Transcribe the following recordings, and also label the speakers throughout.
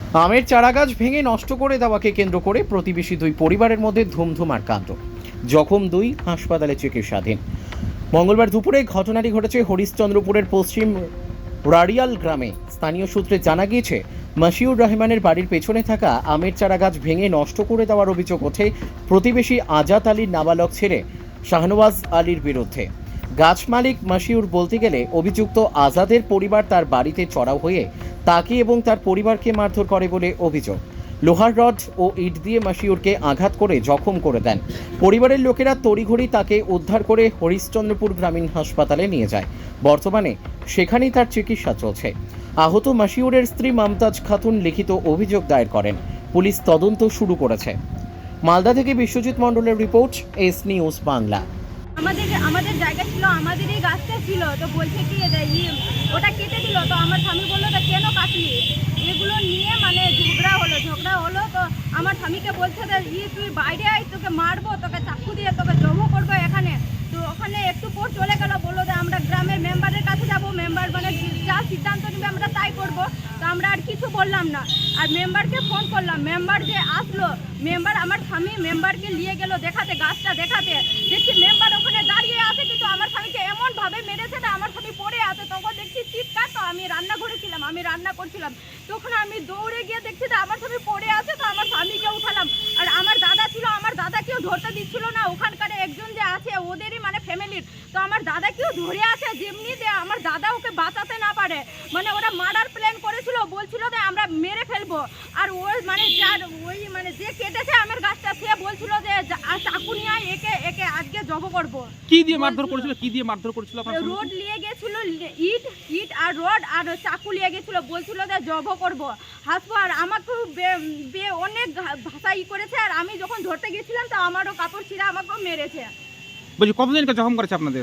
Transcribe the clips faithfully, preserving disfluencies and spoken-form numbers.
Speaker 1: আমের চারাগাছ ভেঙে নষ্ট করে দেওয়াকে কেন্দ্র করে প্রতিবেশী দুই পরিবারের মধ্যে ধুমধুমার কাণ্ড। জখম দুই, হাসপাতালে চিকিৎসাধীন। মঙ্গলবার দুপুরে ঘটনাটি ঘটেছে হরিশ্চন্দ্রপুরের পশ্চিম রাড়িয়াল গ্রামে। স্থানীয় সূত্রে জানা গিয়েছে, মাসিউর রহমানের বাড়ির পেছনে থাকা আমের চারাগাছ ভেঙে নষ্ট করে দেওয়ার অভিযোগ ওঠে প্রতিবেশী আজাদ আলীর নাবালক ছেলে শাহনওয়াজ আলীর বিরুদ্ধে। গাছ মালিক মাসিউর বলতে গেলে অভিযুক্ত আজাদের পরিবার তার বাড়িতে চড়াও হয়ে তাকে এবং তার পরিবারকে মারধর করে বলে অভিযোগ। লোহার রড ও ইট দিয়ে মাসিউরকে আঘাত করে জখম করে দেন। পরিবারের লোকেরা তড়িঘড়ি তাকে উদ্ধার করে হরিশ্চন্দ্রপুর গ্রামীণ হাসপাতালে নিয়ে যায়। বর্তমানে সেখানেই তার চিকিৎসা চলছে। আহত মাসিউরের স্ত্রী মমতাজ খাতুন লিখিত অভিযোগ দায়ের করেন। পুলিশ তদন্ত শুরু করেছে। মালদা থেকে বিশ্বজিৎ মণ্ডলের রিপোর্ট, এস নিউজ বাংলা।
Speaker 2: আমাদের আমাদের জায়গা ছিল, আমাদেরই গাছটা ছিল, তো বলছে কি এটা ই ওটা কেটে দিল। তো আমার স্বামী বললো তো কেন কাটলি, এগুলো নিয়ে মানে ঝগড়া হলো ঝগড়া হলো তো আমার স্বামীকে বলছে যে ই তুই বাইরে আয়, তোকে মারবো, তোকে চাকু দিয়ে তোকে জমো করবো এখানে। তো ওখানে একটু পর চলে গেল, বললো যে আমরা গ্রামের মেম্বারের কাছে যাব, মেম্বার মানে যা সিদ্ধান্ত নেবে আমরা তাই করবো। তো আমরা আর কিছু বললাম না, আর মেম্বারকে ফোন করলাম। মেম্বার যে আসলো, মেম্বার আমার স্বামী মেম্বারকে নিয়ে গেল দেখাতে, গাছটা দেখাতে। দেখছি মেম্বার ওখানে দাঁড়িয়ে আছে, কিন্তু আমার স্বামীকে এমন ভাবে মেরেছে না, আমার স্বামী পড়ে আছে। তখন দেখছি চিৎকার, তো আমি রান্নাঘরে ছিলাম, আমি রান্না করছিলাম। তখন আমি দৌড়ে গিয়ে দেখছি যে আমার স্বামী পড়ে আছে, তো আমার স্বামীকে উঠালাম। আর আমার দাদা ছিল, আমার দাদাকেও ধরতে দিচ্ছিল না। ওখানকার একজন যে আছে ওদেরই মানে ফ্যামিলির, তো আমার দাদাকেও ধরে আছে, যেমনি যে আমার দাদা ওকে বাঁচাতে না পারে। মানে ওরা মার্ডার প্ল্যান করেছিল, বলছিল যে আমরা মেরে ফেলবো। আর ওই মানে যার ওই মানে যে কেটেছে আমের গাছটা, সে বলছিল যে চাকু নিয়ে আয়, একে একে আজকে জব করবো।
Speaker 3: কি দিয়ে মারধর করেছিল কি দিয়ে মারধর করেছিল আপনার?
Speaker 2: রোড নিয়ে গেছিল, ইট ইট আর রড আর চাকু নিয়ে গেছিল, বলছিল যে জব করবো, হাসবো। আর আমাকেও অনেক ভাষা ই করেছে। আর আমি যখন ধরতে গেছিলাম তো আমারও কাপড় ছিঁড়া আমাকেও মেরেছে।
Speaker 3: বলছি কতজনকে জখম করেছে আপনাদের?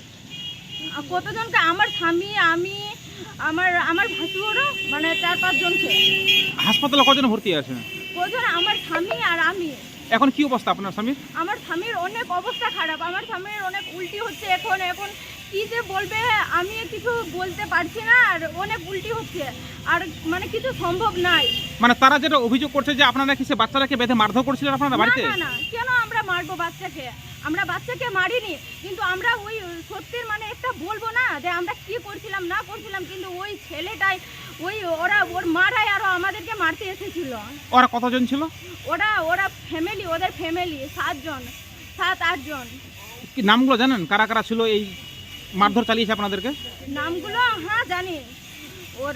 Speaker 2: কতজনকে? আমার স্বামী, আমি, আমার আমার ভাসুরও, মানে চার পাঁচ জনকে।
Speaker 3: হাসপাতালে কজন ভর্তি আছে?
Speaker 2: কজন? আমার স্বামী আর আমি।
Speaker 3: এখন কি অবস্থা আপনার স্বামীর?
Speaker 2: আমার স্বামীর অনেক অবস্থা খারাপ, আমার স্বামীর অনেক উল্টি হচ্ছে এখন। এখন কি যে বলবে আমি কিছু বলতে পারছি না, আর অনেক উল্টি হচ্ছে, আর মানে কিছু সম্ভব নাই।
Speaker 3: মানে তারা যেটা অভিযোগ করছে যে আপনারা কি সে বাচ্চাটাকে বেঁধে মারধর করছিলেন আপনারা বাড়িতে?
Speaker 2: না না, কেন আমরা মারবো বাচ্চাকে? আমরা বাচ্চাকে মারিনি, কিন্তু আমরা ওই সত্যির মানে একটা বলবো না যে আমরা কি করছিলাম না করছিলাম, কিন্তু ওই ছেলেটাই ওই ওরা ওর মারাই আরো আমাদেরকে মারতে এসেছিল।
Speaker 3: ওরা কতজন ছিল?
Speaker 2: ওরা ওরা ফ্যামিলি, ওদের ফ্যামিলি সাতজন, সাত আটজন।
Speaker 3: কি নামগুলো জানেন কারা কারা ছিল এই মারধর চালিয়েছে আপনাদেরকে?
Speaker 2: নামগুলো হ্যাঁ জানি। ওর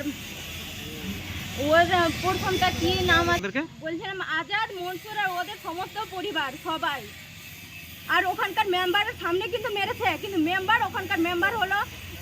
Speaker 2: ওর প্রথমটা কি নাম আছে বলছিলাম, আজাদ, মনসুর আর ওদের সমস্ত পরিবার সবাই। আর ওখানকার মেম্বারের সামনে কিন্তু মেরেছে, কিন্তু মেম্বার ওখানকার মেম্বার হলো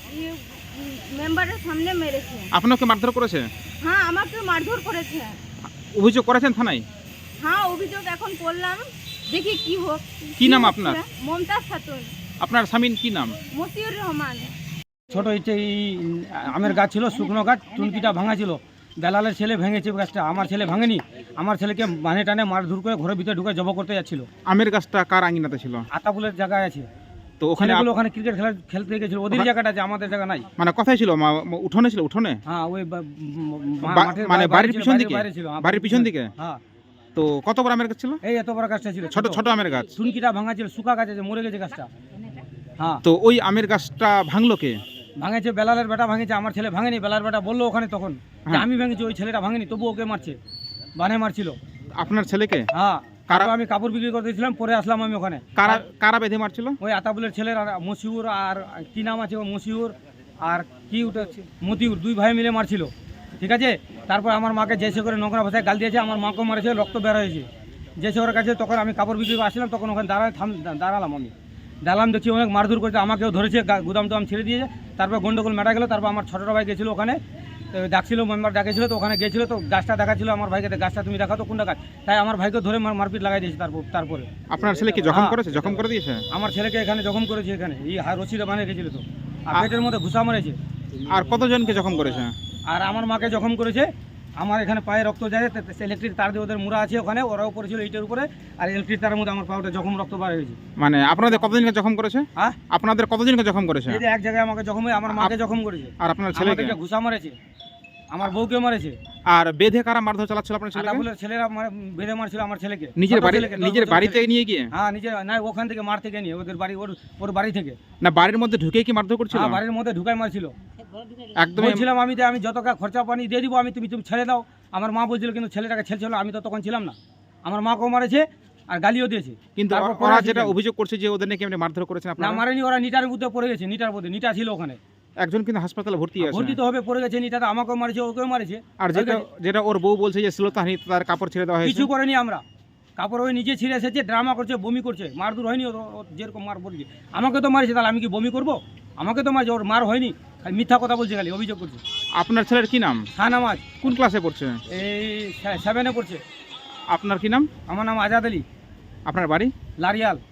Speaker 2: মেম্বারের সামনে মেরেছে।
Speaker 3: আপনাকে মারধর করেছে?
Speaker 2: হ্যাঁ, আমাকে মারধর করেছে।
Speaker 3: অভিযোগ করেছেন থানায়?
Speaker 2: হ্যাঁ, অভিযোগ এখন করলাম, দেখি কি হোক।
Speaker 3: কি নাম আপনার?
Speaker 2: মমতাজ খাতুন।
Speaker 3: আপনার স্বামীর কি নাম?
Speaker 2: মসিউর রহমান।
Speaker 4: ছোট হচ্ছে এই আমের গাছ ছিল, শুকনো গাছ, টুনকিটা ভাঙা ছিল। দালালের ছেলে ভেঙেছে গাছটা, আমার ছেলে ভাঙেনি। আমার ছেলেকে মানে টানে মারধর করে ঘরের ভিতরে ঢুকে জব করতে যাচ্ছিল।
Speaker 3: আমের গাছটা কার আঙিনাতে ছিল?
Speaker 4: আতাপুলের জায়গায় আছে,
Speaker 3: তো ওখানে
Speaker 4: ওখানে ওখানে ক্রিকেট খেলা খেলতে গেছিল, ওদের জায়গাটা আছে, আমাদের জায়গা নাই।
Speaker 3: মানে কোথায় ছিল? উঠোনে ছিল? উঠোনে
Speaker 4: হ্যাঁ, ওই
Speaker 3: মানে বাড়ির পিছন দিকে? বাড়ির পিছন দিকে।
Speaker 4: হ্যাঁ।
Speaker 3: তো কত বড় আমের গাছ ছিল?
Speaker 4: এই এত বড় গাছটা ছিল,
Speaker 3: ছোট ছোট আমের গাছ।
Speaker 4: টুনকিটা ভাঙা ছিল, শুকা গাছ আছে, মরে গেছে গাছটা। হ্যাঁ।
Speaker 3: তো ওই আমের গাছটা ভাঙলো কে?
Speaker 4: ভাঙেছে বেলালের বেটা ভাঙেছে, আমার ছেলে ভাঙেনি। বেলার বেটা বললো ওখানে তখন যে আমি ভেঙেছি, ওই ছেলেটা ভাঙেনি, তবু ওকে মারছে, বানে মারছিল।
Speaker 3: আপনার ছেলেকে?
Speaker 4: হ্যাঁ।
Speaker 3: কারা?
Speaker 4: আমি কাপড় বিক্রি করতে দিয়েছিলাম, পরে আসলাম আমি ওখানে।
Speaker 3: কারা কারা বেঁধে মারছিল?
Speaker 4: ওই আতাবুলের ছেলের আর মসিউর, আর কি নাম আছে মসিউর আর কি ওটা মতিউর, দুই ভাই মিলে মারছিল। ঠিক আছে। তারপর আমার মাকে জেসে করে নোংরা ভাষায় গাল দিয়েছে, আমার মাকেও মারেছে, রক্ত বের হয়েছে। জেসে ওর কাছে তখন আমি কাপড় বিক্রি করে আসলাম, তখন ওখানে দাঁড়ায় থাম দাঁড়ালাম আমি দাঁড়ালাম, দেখছি অনেক মারধর করেছে, আমাকেও ধরেছে, গুদাম টুদাম ছেড়ে দিয়েছে। তারপর গন্ডগোল মেটা গেলো। তারপর আমার ছোটো ভাই গেছিলো ওখানে, ডাকছিল, মেম্বার ডাকেছিল, তো ওখানে গেছিলো, তো গাছটা দেখাচ্ছিল আমার ভাইকে, গাছটা তুমি দেখাও তো কোনটা গাছ। তাই আমার ভাইকে ধরে মারপিট লাগাই দিয়েছে। তারপর তারপরে
Speaker 3: আপনার ছেলে কি জখম করেছে? জখম করে দিয়েছে?
Speaker 4: আমার ছেলেকে এখানে জখম করেছে, এখানে এই রশিদে বানিয়ে গেছিল, তো আর পেটের মধ্যে ঘুষা মারেছে।
Speaker 3: আর কতজনকে জখম করেছে?
Speaker 4: আর আমার মাকে জখম করেছে। আমার এখানে পায়ে রক্ত যায়, ইলেকট্রিক তার দিয়ে ওদের মুড়া আছে ওখানে, ওরাও পড়েছিল ইটের উপরে, আর ইলেকট্রিক তারের মধ্যে আমার পাউটা জখম, রক্ত বার হয়েছে।
Speaker 3: মানে আপনাদের কতজনকে জখম করেছে?
Speaker 4: হ্যাঁ,
Speaker 3: আপনাদের কতজনকে জখম করেছে?
Speaker 4: এই যে এক জায়গায় আমাকে জখম হয়ে আমার মাকে জখম করেছে।
Speaker 3: আর আপনার ছেলেকে
Speaker 4: ঘুষা মারেছে। আমার বউকে মারেছে।
Speaker 3: আর বেঁধে কারা মারধর চালাচ্ছিল আপনার ছেলেকে?
Speaker 4: আদাবুলের ছেলেরা মার- বেঁধে মারছিল আমার ছেলেকে।
Speaker 3: নিজের
Speaker 4: ছোট
Speaker 3: বাড়ি
Speaker 4: ছেলেকে, দশ
Speaker 3: নিজের
Speaker 4: বছরের
Speaker 3: বাড়িতে
Speaker 4: ছেলে।
Speaker 3: নিয়ে গিয়ে?
Speaker 4: হ্যাঁ নিজের না, ওখান থেকে মার থেকে নিয়ে ওদের বাড়ি ওর ওর বাড়ি থেকে।
Speaker 3: না বাড়ির মধ্যে ঢুকে কি মারধর করছিল?
Speaker 4: হ্যাঁ বাড়ির মধ্যে ঢুকাই মারছিল।
Speaker 3: একদম
Speaker 4: বলছিলাম আমি যে আমি যত টাকা খরচা পানি দিয়ে দিব, আমি তুমি তুমি ছেড়ে দাও। আমার মা বলছিল কিন্তু ছেলেটাকে ছেড়েছিল, আমি তো তখন ছিলাম না। আমার মাকেও মারেছে আর গালিও দিয়েছে।
Speaker 3: কিন্তু
Speaker 4: তারপর
Speaker 3: ওরা
Speaker 4: পরে
Speaker 3: যেটা
Speaker 4: আসি-
Speaker 3: অভিযোগ করছে যে ওদের নাকি আপনি মারধর করেছেন
Speaker 4: না
Speaker 3: আপনারা।
Speaker 4: মারেনি, ওরা নিটার মধ্যে পড়ে গেছে, নিটার মধ্যে নিটা ছিল ওখানে।
Speaker 3: একজন কিন্তু হাসপাতালে ভর্তি আছে।
Speaker 4: ভর্তি তো হবে, পড়ে গেছে নিটাতে, আমাকেও মারেছে ওকেও মারেছে।
Speaker 3: আর যেটা যেটা ওর বউ বলছে যে শ্লীলতাহানি, তার কাপড় ছেড়ে দেওয়া হয়েছে।
Speaker 4: কিছু করেনি আমরা, কাপড় ওই নিজে ছিঁড়ে এসেছে, ড্রামা করছে, বমি করছে। মারধর হয়নি ওর, ওর যেরকম মার পড়েছে। আমাকে তো মারেছে, তাহলে আমি কি বমি করব? আমাকে তো মারছে, ওর মার হয়নি। খালি মিথ্যা কথা বলছে, খালি অভিযোগ করছে।
Speaker 3: আপনার ছেলের কি নাম?
Speaker 4: শাহনামাজ
Speaker 3: কোন ক্লাসে পড়ছে?
Speaker 4: এই সেভেনে পড়ছে।
Speaker 3: আপনার কি নাম?
Speaker 4: আমার নাম আজাদ আলী,
Speaker 3: আপনার বাড়ি?
Speaker 4: লারিয়াল।